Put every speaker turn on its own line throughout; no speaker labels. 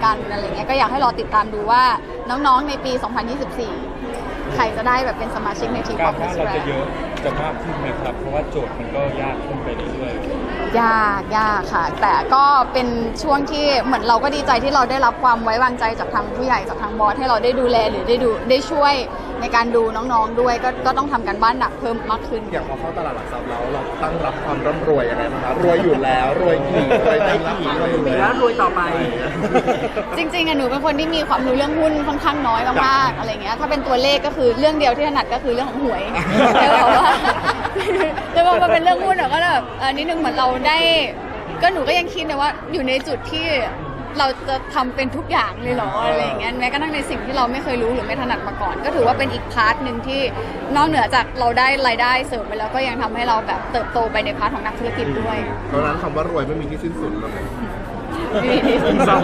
กันอะไรเงี้ยก็อยากให้รอติดตามดูว่าน้องๆในปี 2024 ใครจะได้แบบเป็นสมาชิกในทีม
การ
of
ว่า
Miss
เราจะ
Grand
เยอะจะมากขึ้นไหมครับเพราะว่าโจทย์มันก็ยากขึ้นไปเรื่อยๆ
ยากค่ะแต่ก็เป็นช่วงที่เหมือนเราก็ดีใจที่เราได้รับความไว้วางใจจากทางผู้ใหญ่จากทางบอสให้เราได้ดูแลหรือได้ช่วยในการดูน้องๆด้วยก็ต้องทำกันบ้านหนักเพิ่มมากขึ้น
อย่างพอเข้าตลาดหลักทรัพย์แล้วเราตั้งรับความร่ำรวยยังไงบ้างคะรวยอยู่แล้วรวยกี่รวยได้กี่รวยอยู่
แล้วรวยต่อไป
จริงๆหนูเป็นคนที่มีความรู้เรื่องหุ้นค่อนข้างน้อยมากๆอะไรเงี้ยถ้าเป็นตัวเลขก็คือเรื่องเดียวที่ถนัดก็คือเรื่องของหวยแล้วบอกว่าแล้วพอเป็นเรื่องหุ้นก็แบบนิดนึงเหมือนเราได้ก็หนูก็ยังคิดนะว่าอยู่ในจุดที่เราจะทำเป็นทุกอย่างเลยเหรออะไรอย่างเงี้ยแม้กระทั่งในสิ่งที่เราไม่เคยรู้หรือไม่ถนัดมาก่อนก็ถือว่าเป็นอีกพาร์ทหนึ่งที่นอกเหนือจากเราได้รายได้เสริมไปแล้วก็ยังทำให้เราแบบเติบโตไปในพาร์ทของนักธุรกิจด้วย
เพราะฉะนั้นคำว่ารวยไม่มีที่สิ้นสุดเลย
มีที่สุดสา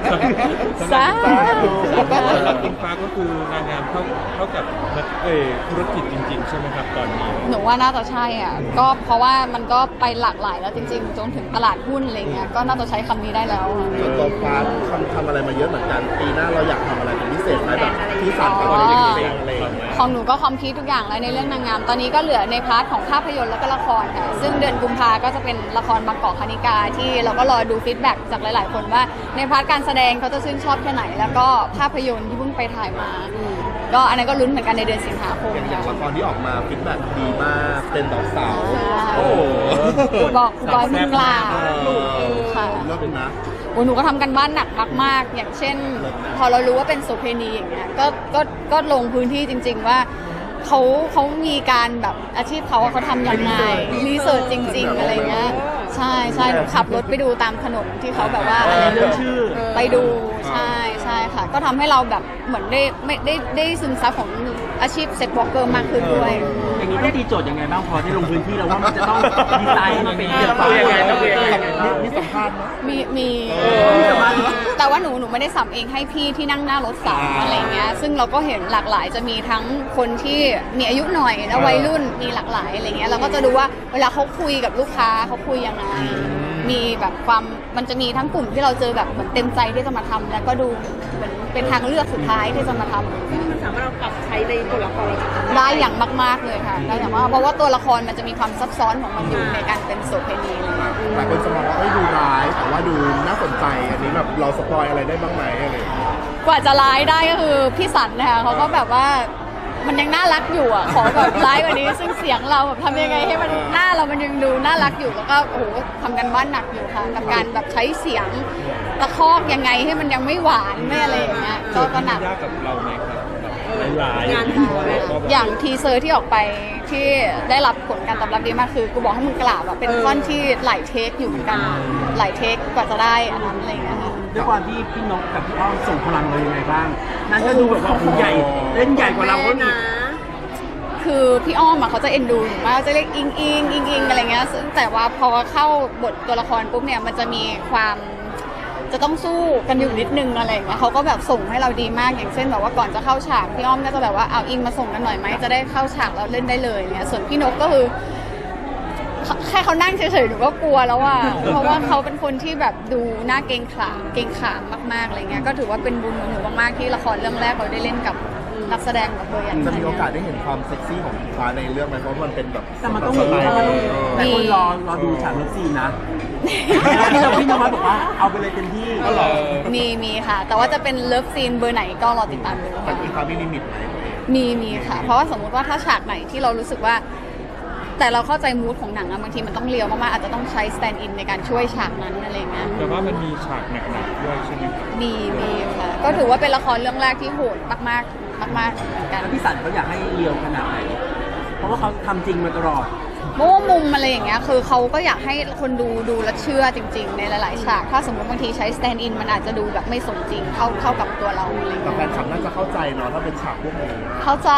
ธุ
หลักอิงฟ้าก็คือนางงามเท่ากับธุรกิจจริงๆใช่ไหมครับตอนนี้
หนูว่าน่าจะใช่อ่ะก็เพราะว่ามันก็ไปหลากหลายแล้วจริงๆจนถึงตลาดหุ้นอะไรเงี้ยก็น่าจะใช้คำนี้ได้แล้ว
ส่วนตัวฟ้าทำอะไรมาเยอะเหมือนกันปีหน้าเราอยากทำอะไรเป็นพิเศษไหมแบบที่สั่งกับอะไรอย่างเงี้ยอะไรอย่างเงี้ย
ของหนูก็คอมพลีททุกอย่างแล้วในเรื่องนางงามตอนนี้ก็เหลือในพาร์ทของภาพยนตร์แล้วก็ละครค่ะซึ่งเดือนกุมภาก็จะเป็นละครบางกอกคณิกาที่เราก็รอดูฟีดแบ็กจากหลายๆคนว่าในพาร์ทการแสดงเขาจะชื่นชอบแค่ไหนแล้วก็ภาพยนตร์ที่เพิ่งไปถ่ายมาก็อันนั้นก็ลุ้นเหมือนกันในเดือนสิงหาคม
อย่างละครที่ออกมาฟีดแบ็กดีมากเป็นดอกสาวโอ้
บอกบอยมึงลาค่ะ
เลิศนะ
โอ้หนูก็ทำกันบ้านหนักมากๆอย่างเช่นพอเรารู้ว่าเป็นโสเภณีอย่างเงี้ยก็ลงพื้นที่จริงๆว่าเขามีการแบบอาชีพเขาทำยังไงรีเสิร์ชจริงๆอะไรเงี้ยใช่หนูขับรถไปดูตามถนนที่เขาแบบว่าอะไรเรื่องชื่อไปดูใช่ค่ะก็ทำให้เราแบบเหมือนได้ซึมซับของอาชีพเซ็ตวอล์กเกอร์มากขึ้นด้วย
อย่างนี้ต้องตีโจทย์ยังไงบ้างพอได้ลงพื้นที่แล้วว่ามันจะต้องดีไซน์มันเป็นยังไง
มีสัมภาษณ์
มีแต่ว่าหนูไม่ได้สัมเองให้พี่ที่นั่งหน้ารถสัมอะไรเงี้ยซึ่งเราก็เห็นหลากหลายจะมีทั้งคนที่มีอายุหน่อยแล้ววัยรุ่นมีหลากหลายอะไรเงี้ยเราก็จะดูว่าเวลาเขาคุยกับลูกค้าเขาคุยยังไงมีแบบความมันจะมีทั้งกลุ่มที่เราเจอแบบเหมือนเต็มใจที่จะมาทำแล้วก็ดูเหมือนเป็นทางเลือกสุดท้ายที่จะมาทำ
มันสามารถเราปรับใช้ในตัวละคร
ได้อย่างมากๆเลยค่ะได้อย่างมากเพราะว่าตัวละครมันจะมีความซับซ้อนของมันอยู่ในการเป็นโสเภณี
หลายคนจะมองว่าดูร้ายแต่ว่าดูน่าสนใจอันนี้แบบเราสปอยอะไรได้บ้างไหมอะไร
กว่าจะร้ายได้ก็คือพี่สันนะคะเขาก็แบบว่ามันยังน่ารักอยู่อ่ะขอแบบร้ายกว่านี้ซึ่งเสียงเราแบบทำยังไงให้มันหน้าเรามันยังดูน่ารักอยู่แล้วก็โอ้โหทำกันบ้านหนักอยู่ค่ะกับการแบบใช้เสียงตะคอกยังไงให้มันยังไม่หวานไม่อะไรอย่างเงี้ยก็หนัก
ยากกับเราไหมครับหลาย
อย่างทีเซอร์ที่ออกไปที่ได้รับผลการตอบรับดีมากคือกูบอกให้มึงกราบอ่ะเป็นท่อนที่หลายเทคอยู่เหมือนกันหลายเทคกว่าจะได้อันนั้นอะไรอย่างเงี้ยค่ะ
ด้วยความที่พี่นกกับพี่อ้อมส่งพลังเรายังไงบ้างนั่นก็ดูแบบว่าใหญ่เล่นใหญ่กว่าเราก็อีก
คือพี่อ้อมอ่ะเขาจะเอ็นดูหนูมากจะเรียกอิงอะไรเงี้ยซึ่งแต่ว่าพอเข้าบทตัวละครปุ๊บเนี่ยมันจะมีความจะต้องสู้กันอยู่นิดนึงอะไรอย่างเงี้ยเขาก็แบบส่งให้เราดีมากอย่างเช่นแบบว่าก่อนจะเข้าฉากพี่อ้อมก็จะแบบว่าเอาอิงมาส่งกันหน่อยไหมจะได้เข้าฉากแล้วเล่นได้เลยเนี่ยส่วนพี่นกก็คือแค่เขานั่งเฉยๆหนูก็กลัวแล้วอ่ะเพราะว่าเขาเป็นคนที่แบบดูหน้าเกรงขามมากๆอะไรเงี้ยก็ถือว่าเป็นบุญของหนูมากๆที่ละครเรื่องแรกเราได้เล่นกับนักแสดงแบบเบอร์ใหญ่
จะมีโอกาสได้เห็นความเซ็กซี่ของฟ้าในเรื่องไหมเพราะมันเป็นแบบ
แต่มันต้องแต่คนรอดูฉากเลิฟซีนนะพี่นวัดบอกว่าเอาไปเลยเต็มที่
มีค่ะแต่ว่าจะเป็นเลิฟซีนเบอร์ไหนก็รอติดตามดู
แต่มีความมีลิมิตไหม
มีค่ะเพราะว่าสมมุติว่าถ้าฉากไหนที่เรารู้สึกว่าแต่เราเข้าใจมูดของหนังอะบางทีมันต้องเลียวมากๆอาจจะต้องใช้สแตนด์อินในการช่วยฉากนั้นอะไรเงี้ย
แต่ว่ามันมีฉากหนักๆด้วยใช่ไหมครับ
มีค่ะก็ถือว่าเป็นละครเรื่องแรกที่โหดมากเหมือนกัน
พี่สันเขาอยากให้เลียวขนาดไหนเพราะว่าเขาทำจริงมาตลอด
เพราะว่ามุมอะไรอย่างเงี้ยคือเขาก็อยากให้คนดูและเชื่อจริงๆในหลายๆฉากถ้าสมมติบางทีใช้สแตนด์อินมันอาจจะดูแบบไม่สมจริงเข้ากับตัวเราอะไร
แต่แฟนคลับน่าจะเข้าใจเนาะถ้าเป็นฉากพวกนี้
เข้าใจ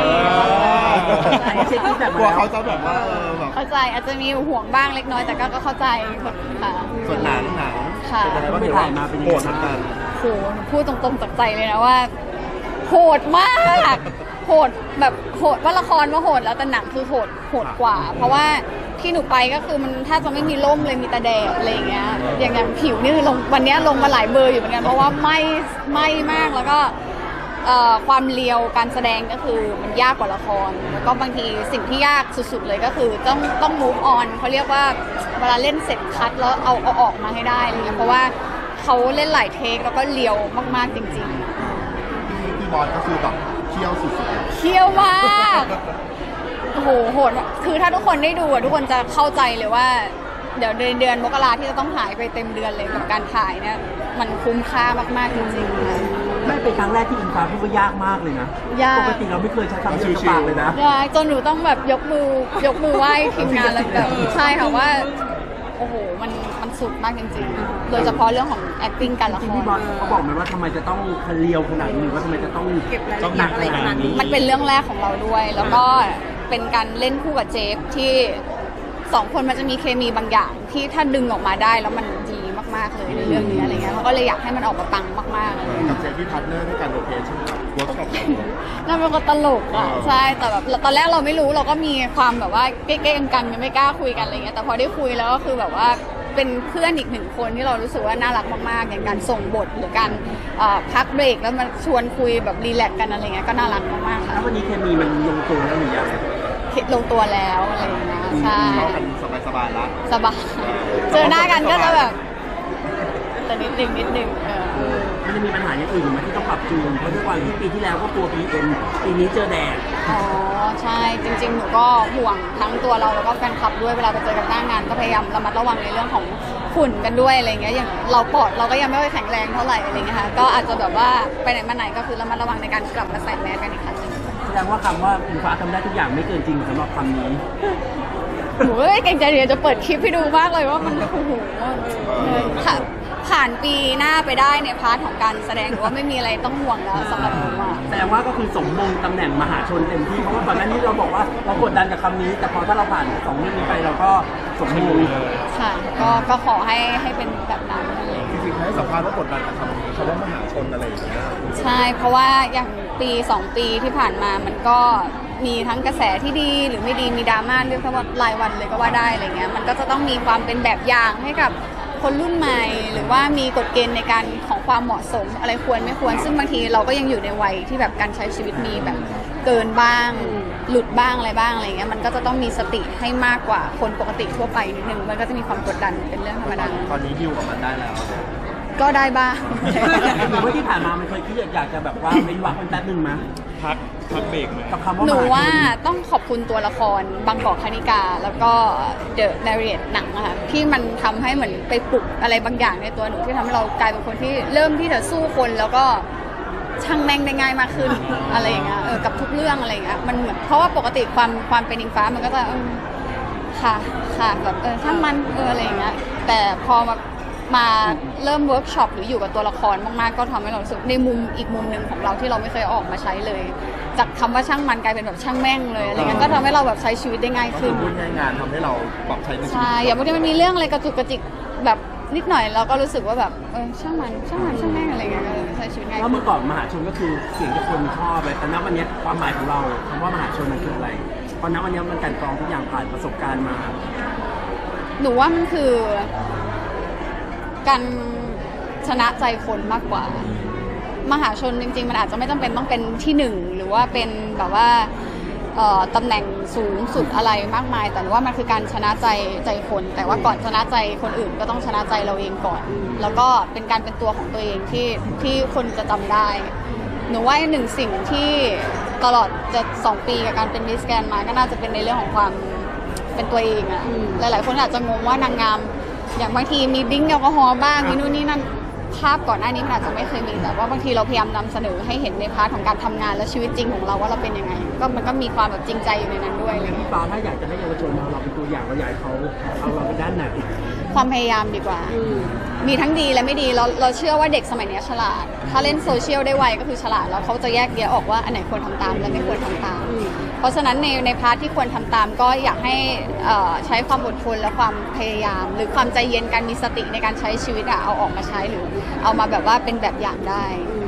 กลัวเขาจะแบบว่าแบบ
เข้าใจอาจจะมีห่วงบ้างเล็กน้อยแต่ก็เข้าใจค่ะ
ส่วนหนัง
ค่ะ
ไปถ่ายมาเป็นโหดเหมือนกัน
โหพูดตรงๆจากใจเลยนะว่าโหดมากโหดแบบโหดว่าละครว่าโหดแล้วแต่หนังคือโหดกว่าเพราะว่าทที่หนูไปก็คือมันแทบจะไม่มีร่มเลยมีแต่แดดอะไรอย่างเงี้ยอย่างผิวนี่คือลงวันเนี้ยลงมาหลายเบอร์อยู่เหมือนกันเพราะว่าไหม้มากแล้วก็ความเลียวการแสดงก็คือมันยากกว่าละครแล้วก็บางทีสิ่งที่ยากสุดๆเลยก็คือต้อง move on เขาเรียกว่าเวลาเล่นเสร็จคัดแล้วเอาออกมาให้ได้อะไรเงี้ยเพราะว่าเขาเล่นหลายเทคแล้วก็เลียวมากๆจริงๆ
พี่บอลก็คือแบบเที่ยวสุดๆ
เที่ยวมากโอ้โหโหดคือถ้าทุกคนได้ดูอะทุกคนจะเข้าใจเลยว่าเดี๋ยวเดือนมกราที่จะต้องหายไปเต็มเดือนเลยกับการถ่ายเนี่ยมันคุ้มค่ามากๆจริงๆค่ะ
ไม่เป็นครั้งแรกที่อิงฟ้าพูดว่ายากมากเลยนะ
ยาก
ปกติเราไม่เคยใช้คำนี้กับปากเลยนะ
ยากจนหนูต้องแบบยกมือไหว้ทีมงานแล้วแบบใช่ค่ะว่าโอ้โหมันสุดมากจริงๆ โดยเฉพาะเรื่องของ acting การละ
จริ
ค
งๆพี่บอ
ร
ลเขาบอกไหมว่าทำไมจะต้องเลียวขนาดนี้หรือว่าทำไมจะต้อง
เก็บราย
ต้
ละ
อง
เอียดอะไรขนาดนี้
มันเป็นเรื่องแรกของเราด้วย แล้วก็เป็นการเล่นคู่กับเจฟที่สองคนมันจะมีเคมีบางอย่างที่ถ้าดึงออกมาได้แล้วมันดีมากๆเลยในเรื่องนี้อะไรเงี้ยเขาก็เลยอยากให้มันออกมาปังมากๆอะไรเลย
กับเจฟฟี่พาร์ทเนอร์ในการโรเทชั่นกับเวิร์กช็อป
นั่นเป็นคนตลกอ่ะใช่แต่แบบตอนแรกเราไม่รู้เราก็มีความแบบว่าเก๊ๆกันยังไม่กล้าคุยกันอะไรเงี้ยแต่พอได้คุยแล้วก็คือแบบว่าเป็นเพื่อนอีกหนึ่งคนที่เรารู้สึกว่าน่ารักมากๆอย่างการส่งบทหรือการพักเบรกแล้วมาชวนคุยแบบรีแลกซ์กันอะไรเงี้ยก็น่ารักมากๆค่ะ
แล้ววันนี้เคมีมันลงตัวแล้วหรือยัง
ลงตัวแล้วอะไรอย่างเงี้ยใช่
เข้ากันสบายๆละ
สบายเจอหน้ากันก็จะแบบแต่นิดนึง
มันจะมีปัญหาอย่างอื่นไหมที่ต้องปรับจูนเพราะด้วยความที่ปีที่แล้วก็กลัวPMปีนี้เจอแดด
อ๋อใช่จริงๆหนูก็ห่วงทั้งตัวเราแล้วก็แฟนคลับด้วยเวลาไปเจอกันหน้างานก็พยายามระมัดระวังในเรื่องของฝุ่นกันด้วยอะไรเงี้ยอย่างเราปอดเราก็ยังไม่ค่อยแข็งแรงเท่าไหร่อะไรเงี้ยค่ะก็อาจจะแบบว่าไปไหนมาไหนก็คือระมัดระวังในการกลับมาใส่แมสกันอีกครั้งหนึง
แสดงว่าคำว่าอิงฟ้าทำได้ทุกอย่างไม่เกินจริงสำหรับคำนี้
หนูก็เก่งใจเดี๋ยวจะเปิดคลิปให้ดูมากเลยว่ามันโอ้โหค่ะผ่านปีหน้าไปได้ในพาร์ทของการแสดงหรือว่าไม่มีอะไรต้องห่วงแล้วสำหรับหนูอะ
แสดงว่าก็คือสมมงตำแหน่งมหาชนเต็มที่เพราะว่าก่อนหน้านี้เราบอกว่าเรากดดันกับคำนี้ แต่พอถ้าเราผ่านสองเรื่องนี้ไปเราก็สมมง
ค่ะก็ขอให้เป็นแบบนั้นอะไรอย่างเงี้ย
จริงๆให้สัมภาษณ์ว่ากดดันกับคำนี้คำว่ามหาชนอะไรอย่างเงี้ย
ใช่เพราะว่าอย่างปี2 ปีที่ผ่านมามันก็มีทั้งกระแสที่ดีหรือไม่ดีมีดราม่าเรียกว่ารายวันเลยก็ว่าได้อะไรเงี้ยมันก็จะต้องมีความเป็นแบบอย่างให้กับคนรุ่นใหม่ หรือว่ามีกฎเกณฑ์ในการของความเหมาะสมอะไรควรไม่ควรซึ่งบางทีเราก็ยังอยู่ในวัยที่แบบการใช้ชีวิตมีแบบเกินบ้างหลุดบ้างอะไรบ้างอะไรเงี้ยมันก็จะต้องมีสติให้มากกว่าคนปกติทั่วไปนิดนึงมันก็จะมีความกดดันเป็นเรื่องธรรมดา
ตอนนี้ดิวกับมันได้แล้ว
ก็ได้บ้าง
หรือว่าที่ผ่านมามันเคยคิดอยากจะแบบว่าเว้นวรรคมันแป๊บนึงมั้ย
พักเบรกไหม
กับคำว่า
หนู
มหาชน
ว่าต้องขอบคุณตัวละครบางกอกคณิกา แล้วก็เดอะนารีตหนังอะค่ะที่มันทำให้เหมือนไปปลุกอะไรบางอย่างในตัวหนูที่ทำให้เรากลายเป็นคนที่เริ่มที่จะสู้คนแล้วก็ช่างแม่งได้ง่ายมากขึ้น อะไรอย่างเงี้ยกับทุกเรื่องอะไรอย่างเงี้ยมันเหมือนเพราะว่าปกติความเป็นอิงฟ้ามันก็จะค่ะแบบช่างมันอะไรอย่างเงี้ยแต่พอมาเริ่มเวิร์กช็อปหรืออยู่กับตัวละครมากๆก็ทำให้เรารู้สึกในมุมอีกมุมหนึ่งของเราที่เราไม่เคยออกมาใช้เลย จากคำว่าช่างมันกลายเป็นแบบช่างแม่งเลยอะไรเงี้ยก็ทำให้เราแบบใช้ชีวิตได้ง่าย
ก็คื
ขึ้
อน พูดง่ายๆงานทำให้เราปรับใช้ในชีวิต
ใช่อย่างบางทีมันมีเรื่องอะไรกระจุกกระจิกแบบนิดหน่อยเราก็รู้สึกว่าแบบช่างมันช่างแม่งอะไรเงี้ยก็ใช้ชีวิตง่าย
แล้ว
ขึ้
เมื่
น
อก่อนมหาชนก็คือเสียงที่คนชอบเลยแต่ณวันนี้ความหมายของเราคำว่ามหาชนมันคืออะไรเพราะณวันนี้มันกลั่นกรองทุกอย่างผ่านประสบการณ์มา
หนูว่ามันคือการชนะใจคนมากกว่า มหาชนจริงๆมันอาจจะไม่จำเป็นต้องเป็นที่หนึ่งหรือว่าเป็นแบบว่าตำแหน่งสูงสุดอะไรมากมาย แต่ว่ามันคือการชนะใจคน แต่ว่าก่อนชนะใจคนอื่นก็ต้องชนะใจเราเองก่อน แล้วก็เป็นการเป็นตัวของตัวเองที่คนจะจำได้ หนูว่าหนึ่งสิ่งที่ตลอดจะ2 ปีกับการเป็นมิสแกรนด์มาก็น่าจะเป็นในเรื่องของความเป็นตัวเองอะหลายๆคนอาจจะงงว่านางงามอย่างบางทีมีดิ้งแอลกอฮอล์บ้างมีนู่นนี่นั่นภาพก่อนหน้านี้มันอาจจะไม่เคยมีแต่ว่าบางทีเราพยายามนำเสนอให้เห็นในพาร์ทของการทำงานและชีวิตจริงของเราว่าเราเป็นยังไงก็มันก็มีความแบบจริงใจอยู่ในนั้นด้วยอะไร
พี่
เงี้ย
ฟ้าถ้าอยากจะให้เยาวชนเราเป็นตัวอย่างเราอยากให้เขาเอาเราไปด้านไหน
ความพยายามดีกว่า มีทั้งดีและไม่ดีเราเชื่อว่าเด็กสมัยนี้ฉลาด ถ้าเล่นโซเชียลได้ไวก็คือฉลาดแล้วเขาจะแยกแยะออกว่าอันไหนควรทำตามและไม่ควรทำตาม เพราะฉะนั้นในพาร์ทที่ควรทำตามก็อยากให้ใช้ความอดทนและความพยายาม หรือความใจเย็นการมีสติในการใช้ชีวิตเอาออกมาใช้หรือเอามาแบบว่าเป็นแบบอย่างได้
ถ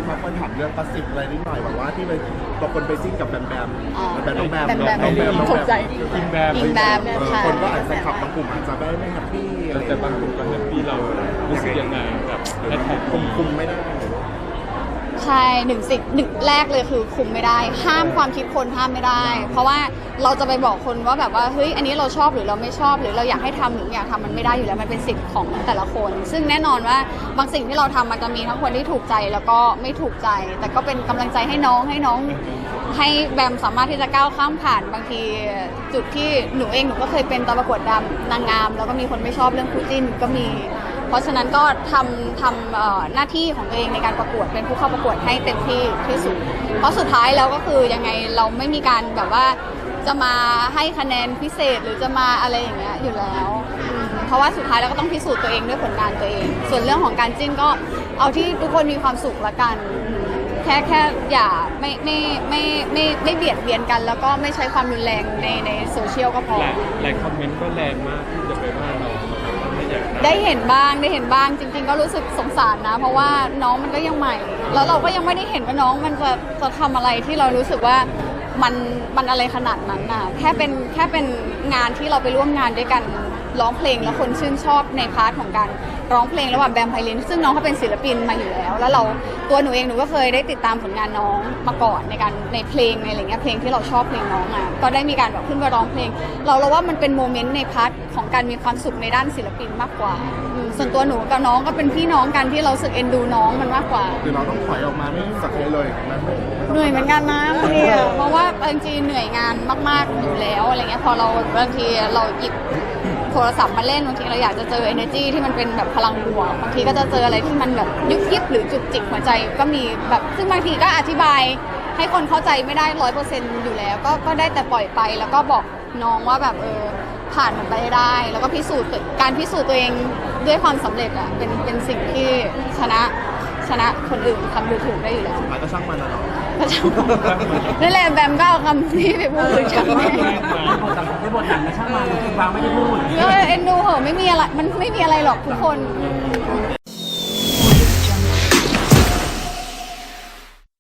ครับคนถามเรื่องกระสิบอะไรนิดหน่อยแบบว่าที่ไปบางคนไปซิ่งกับแบมแบม
อ๋อ
แบมน้องแบม
แบมแบม
น้องแบมน้อง
ตกใจ
อิงแบม
อิงแบม ใช่
คนก็อาจจะขับบางกลุ่มอาจจะไม่แฮปปี้อะไร
แต่บางคนก็แฮปปี้เรารู้สึกยังไงกับแฮชแท็ก
คุมไม่ได้
ใช่หนึ่งแรกเลยคือคุมไม่ได้ ห้ามความคิดคนห้ามไม่ได้ เพราะว่าเราจะไปบอกคนว่าแบบว่าเฮ้ยอันนี้เราชอบหรือเราไม่ชอบหรือเราอยากให้ทำหรือไม่อยากทำมันไม่ได้อยู่แล้วมันเป็นสิทธิ์ของแต่ละคน ซึ่งแน่นอนว่าบางสิ่งที่เราทำมันจะมีทั้งคนที่ถูกใจแล้วก็ไม่ถูกใจ แต่ก็เป็นกำลังใจให้น้องให้แบมสามารถที่จะก้าวข้ามผ่านบางทีจุดที่หนูก็เคยเป็นตอนประกวดนางงามแล้วก็มีคนไม่ชอบเรื่องคู่จิ้นก็มี เพราะฉะนั้นก็ทำหน้าที่ของตัวเองในการประกวดเป็นผู้เข้าประกวดให้เต็มที่ที่สุดเพราะสุดท้ายแล้วก็คือยังไงเราไม่มีการแบบว่าจะมาให้คะแนนพิเศษหรือจะมาอะไรอย่างเงี้ยอยู่แล้วเพราะว่าสุดท้ายเราก็ต้องพิสูจน์ตัวเองด้วยผลงานตัวเอง ส่วนเรื่องของการจิ้นก็เอาที่ทุกคนมีความสุขละกันแค่อย่าไม่เบียดเบียนกัน แล้วก็ไม่ใช้ความรุนแรงในโซเชียลก็พอ
หลายคอมเมนต์ก็แรงมากที่จะไปว่าเราไม่อยาก
ได้เห็นบ้างจริงๆก็รู้สึกสงสารนะ เพราะว่าน้องมันก็ยังใหม่ แล้วเราก็ยังไม่ได้เห็นว่าน้องมันจะทำอะไรที่เรารู้สึกว่ามันอะไรขนาดนั้นน่ะแค่เป็นงานที่เราไปร่วมงานด้วยกันร้องเพลงแล้วคนชื่นชอบในพาร์ทของการร้องเพลงระหว่างแบมไพลินซึ่งน้องเขาเป็นศิลปินมาอยู่แล้วแล้วตัวหนูเองหนูก็เคยได้ติดตามผลงานน้องมาก่อนในเพลงในอะไรเงี้ยเพลงที่เราชอบเพลงน้องอ่ะก็ได้มีการแบบขึ้นไปร้องเพลงเราว่ามันเป็นโมเมนต์ในพาร์ทของการมีความสุขในด้านศิลปินมากกว่าส่วนตัวหนูกับน้องก็เป็นพี่น้องกันที่เราสึกเอ็นดูน้องมันมากกว่า
คือเราต้องถอยออกมาไม่สักทีเลยนะ
เหนื่อยเหมือนกันนะบางทีอะเพราะว่าบางทีเหนื่อยงานมากๆอยู่แล้วอะไรเงี้ยพอเราบางทีเราหยิบโทรศัพท์มาเล่นบางทีเราอยากจะเจอ energy ที่มันเป็นแบบพลังบวกบางทีก็จะเจออะไรที่มันแบบยุบยิบหรือจุกจิกหัวใจก็มีแบบซึ่งบางทีก็อธิบายให้คนเข้าใจไม่ได้100%อยู่แล้วก็ได้แต่ปล่อยไปแล้วก็บอกน้องว่าแบบผ่านมันไปให้ได้ แล้วก็การพิสูจน์ตัวเองด้วยความสำเร็จอะเป็นสิ่งที่ชนะคนอื่นทำดูถูกได้อยู่แล้ว
หมายก็ช่างมันนะเนาะ
ก็ช่างนั่นแหละแบมก็เอาคำนี้ไปพูดช่างแม่
ในบทหนังนะช่างมันคือวางไม่ได้พูด
ก็เอ็นดูเหอะไม่มีอะไรมันไม่มีอะไรหรอกทุกคน
โอเค